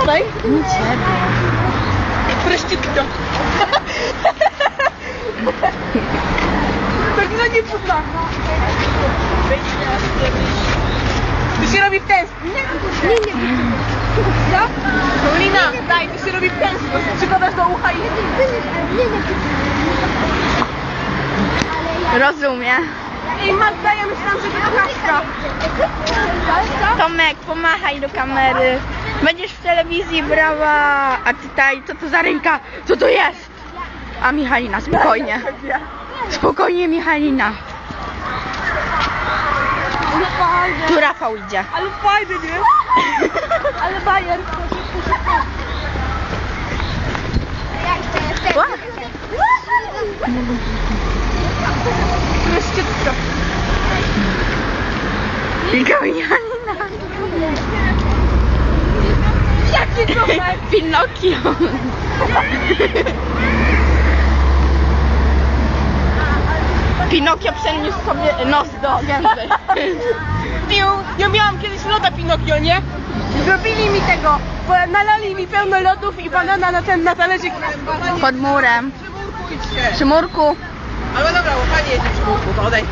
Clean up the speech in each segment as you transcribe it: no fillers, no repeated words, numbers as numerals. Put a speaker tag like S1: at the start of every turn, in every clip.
S1: Tutaj?
S2: Nie ciebie.
S1: Prościutko. Tak no nie cuda. To się robi w ten sposób. Nie. Co? Paulina, daj, to się robi w ten sposób. Przykładasz do ucha i...
S2: Rozumie.
S1: Ej, Magda, ja myślałam, że to Kaśka.
S2: Tomek, pomachaj do kamery. Będziesz w telewizji, brawa. A tutaj, co to za ręka? Co to jest? A Michalina, spokojnie. Spokojnie, Michalina. Tu Rafał idzie.
S1: Ale fajny, nie? Ale bajer. Prościutko.
S2: Tylko Michalina.
S1: Jaki Tomek?
S2: Pinokio. Pinokio przeniósł sobie nos do gęby.
S1: Ja miałam kiedyś loda Pinokio, nie? Zrobili mi tego, bo nalali mi pełno lodów i banana na talerzyk.
S2: Pod murem.
S1: Idźcie.
S2: Przy murku.
S1: Ale dobra, bo pani jedzie przy murku, to odejdźcie.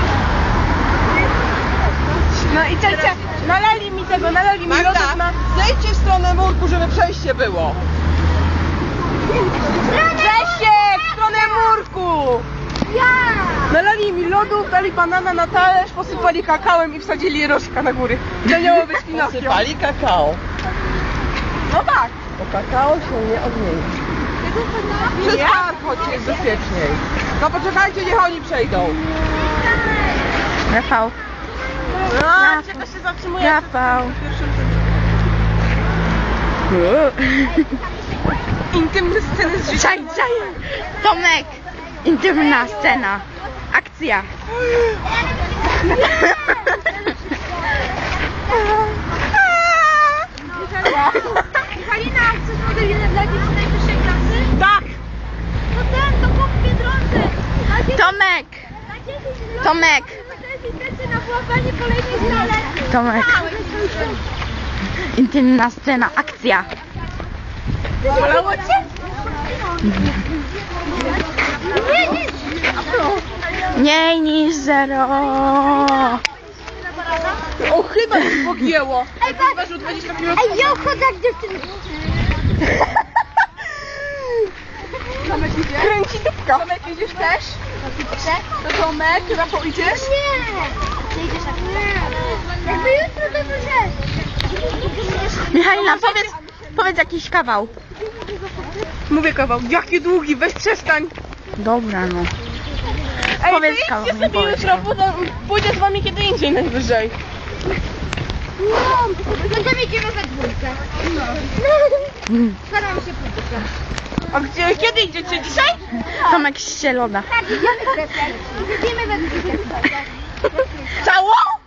S1: No i cześć, nalali mi lodów na... Zejdźcie w stronę murku, żeby przejście było. Przejście w stronę murku! Nalali mi lodów, dali banana na talerz, posypali kakałem i wsadzili rożka na góry. To miało być Pinokio.
S3: Posypali kakao,
S1: No tak.
S3: bo kakao się nie odmieni. Przez park chodźcie, jest bezpieczniej. No poczekajcie, niech oni przejdą.
S2: Rafał.
S1: No, czego się zatrzymuje?
S2: Rafał.
S1: Intymne sceny z życia.
S2: Czaj. Tomek. Intymna scena. Akcja.
S4: Halina, chcesz model dla dzieci najwyższej klasy?
S1: Tak!
S4: No ten, to chłop w Biedronce.
S2: Tomek. Tomek.
S4: Na włapanie kolejnej znaleźć.
S2: Tomek. Intymna scena. Akcja.
S1: Bolało cię?
S2: Mniej niż 0.
S1: O, chyba się pogięło. Ej, ważył 20 kg.
S4: Ej, ja chodzę jak dziewczyny.
S1: Tomek idzie? Kręci dupka. Tomek idziesz też? To Tomek, Rafał idziesz?
S4: Nie. Ty idziesz tak? Nie. Jakby jutro to możesz.
S2: Michalina, powiedz jakiś kawał.
S1: Mówię kawał. Jaki długi, weź przestań.
S2: Dobra, no.
S1: Ej,
S2: Powiedz
S1: to
S2: kawał,
S1: idźcie
S2: nie
S1: sobie
S2: powiedz
S1: jutro,
S2: kawał.
S1: pójdę z wami kiedy indziej najwyżej.
S4: No to idziemy we dwójkę. Staram się pójść.
S1: A gdzie, kiedy idziecie? Dzisiaj?
S2: Tomek ścieloda.
S4: Tak, idziemy we dwójkę. Idziemy we dwójkę.
S1: Całą?